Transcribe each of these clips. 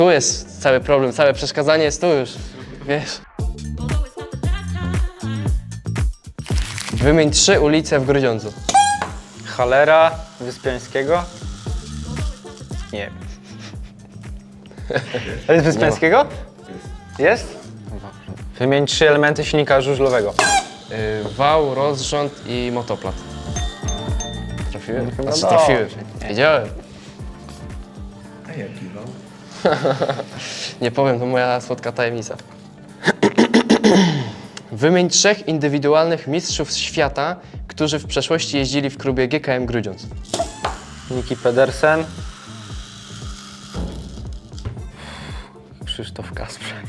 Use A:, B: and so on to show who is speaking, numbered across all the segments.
A: Tu jest cały problem, całe przeszkadzanie jest tu już, wiesz. Wymień 3 ulice w Grudziądzu.
B: Halera, Wyspiańskiego? Nie wiem. To jest Wyspiańskiego? Jest? Wymień 3 elementy silnika żużlowego.
A: Wał, rozrząd i motoplat. Trafiłem?
B: Chyba
A: Znaczy,
B: no.
A: trafiłem. Wiedziałem.
C: A jaki wał?
A: Nie powiem, to moja słodka tajemnica. Wymień 3 indywidualnych mistrzów świata, którzy w przeszłości jeździli w klubie GKM Grudziądz.
B: Niki Pedersen. Krzysztof Kasprzak.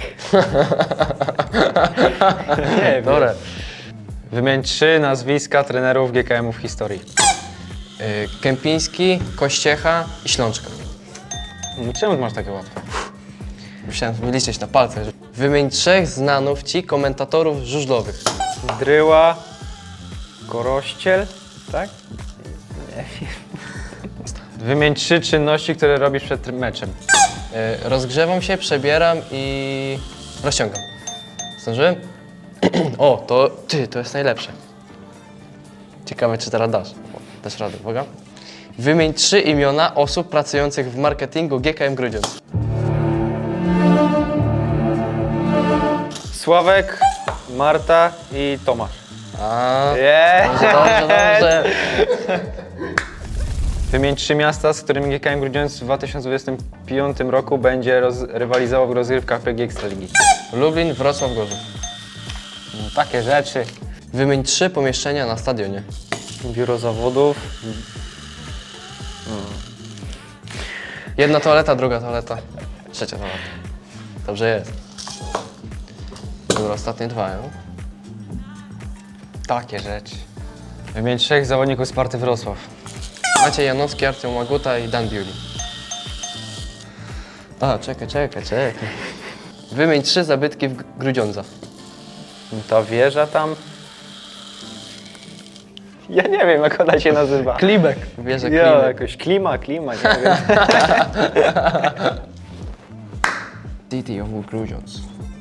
B: Nie wiem.
A: Dobra.
B: Wymień 3 nazwiska trenerów GKM-u w historii.
A: Kępiński, Kościecha i Ślączka.
B: Czemu masz takie łatwe?
A: Musiałem liczyć na palcach. Wymień 3 znanów ci komentatorów żużlowych.
B: Dryła, Korościel, tak? Nie wiem. Wymień 3 czynności, które robisz przed meczem.
A: Rozgrzewam się, przebieram i rozciągam. Zdążyłem? O, to jest najlepsze. Ciekawe, czy teraz dasz. Dasz radę, uwaga. Wymień 3 imiona osób pracujących w marketingu GKM Grudziądz.
B: Sławek, Marta i Tomasz.
A: A,
B: Yeah.
A: dobrze.
B: Wymień 3 miasta, z którymi GKM Grudziądz w 2025 roku będzie rywalizował w rozgrywkach PG Ekstraligi.
A: Lublin, Wrocław, Gorzów.
B: No, takie rzeczy.
A: Wymień 3 pomieszczenia na stadionie.
B: Biuro zawodów.
A: Jedna toaleta, druga toaleta, trzecia toaleta. Dobrze jest. Dobra, ostatnie 2, no?
B: Takie rzeczy. Wymień 3 zawodników Sparty Wrocław.
A: Maciej Janowski, Artyom Łaguta i Dan Biuli. A, czekaj. Wymień 3 zabytki w Grudziądza.
B: Ta wieża tam. Ja nie wiem, jak ona się nazywa.
A: Klimek. Wieża
B: Ja,
A: Klimek.
B: jakoś klima, nie wiem.
A: City of Grudziądz.